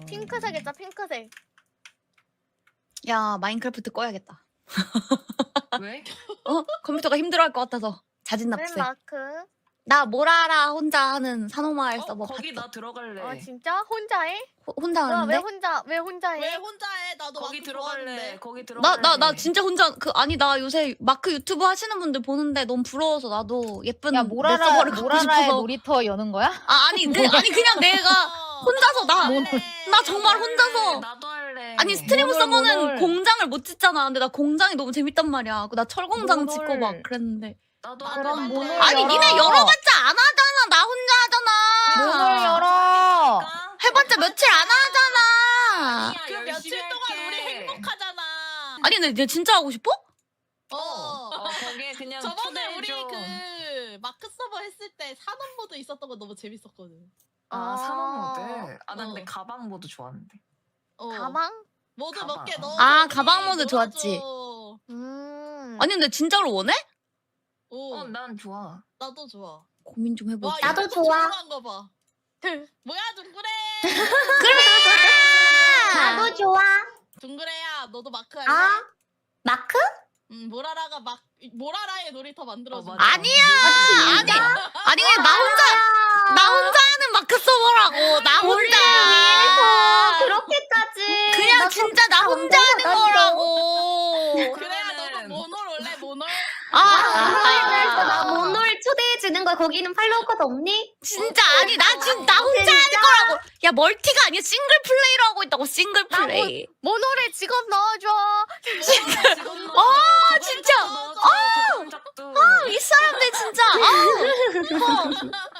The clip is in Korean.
핑크색 했자 핑크색. 야 마인크래프트 꺼야겠다. 왜? 컴퓨터가 힘들어할 것 같아서 자진 웬 납세. 마크? 나 모라라 혼자 하는 산호마을 서버 거기 봤어. 나 들어갈래. 아 진짜? 혼자 해? 혼자 왜 하는데? 왜 혼자 해? 왜 혼자 해? 나도 거기 마크 들어갈래. 좋아하는데. 거기 들어갈래. 나 진짜 혼자 아니 나 요새 마크 유튜브 하시는 분들 보는데 너무 부러워서 나도 예쁜 야 내 서버를 갖고 모라라의 싶어서. 놀이터 여는 거야? 아니 그냥 내가 혼자서 나 정말 혼자서 나도 할래. 아니 스트리머 모놀, 서버는 모놀. 공장을 못 짓잖아. 근데 나 공장이 너무 재밌단 말이야. 나 철공장 모놀. 짓고 막 그랬는데. 나도 그럼 할래. 모놀 아니 열어. 니네 열어봤자 안 하잖아. 나 혼자 하잖아. 문을 열어. 해봤자 며칠 안 하잖아. 아니야, 그 열심히 며칠 동안 할게. 우리 행복하잖아. 아니 근데 내 진짜 하고 싶어? 거기에 그냥 저번에 우리 초대해줘. 그 마크 서버 했을 때 산업 모드 있었던 거 너무 재밌었거든. 산업 모드. 나 근데 어. 가방 모드 좋아하는데. 가방? 모드 가방. 몇 개 넣어. 아, 가방 모드 좋았지. 아니 아니 근데 진짜로 원해? 난 좋아. 나도 좋아. 고민 좀 해보자. 와, 나도 이거 좋아. 조용한 거 봐. 뭐야 둥그레. 나도 좋아. 둥그레야 너도 마크 할래? 아? 마크? 모라라가 모라라의 놀이터 만들어줘. 맞아. 아니야. 아니 그냥 나 혼자 하는 마크 서버라고. 나 혼자. 그렇게까지. 그냥 나 진짜 나 혼자 하는 거라고. 그래야 너도 그러면은- 모놀 올래 모놀? 나 모놀 초대해주는 거야. 거기는 팔로워가 없니? 진짜 아니 나 지금 나 혼자 하는 거라고. 야 멀티가 아니야 싱글 플레이로 하고 있다고 싱글 플레이. 모노래 직업 넣어줘. 진짜. 이 이 사람들 진짜.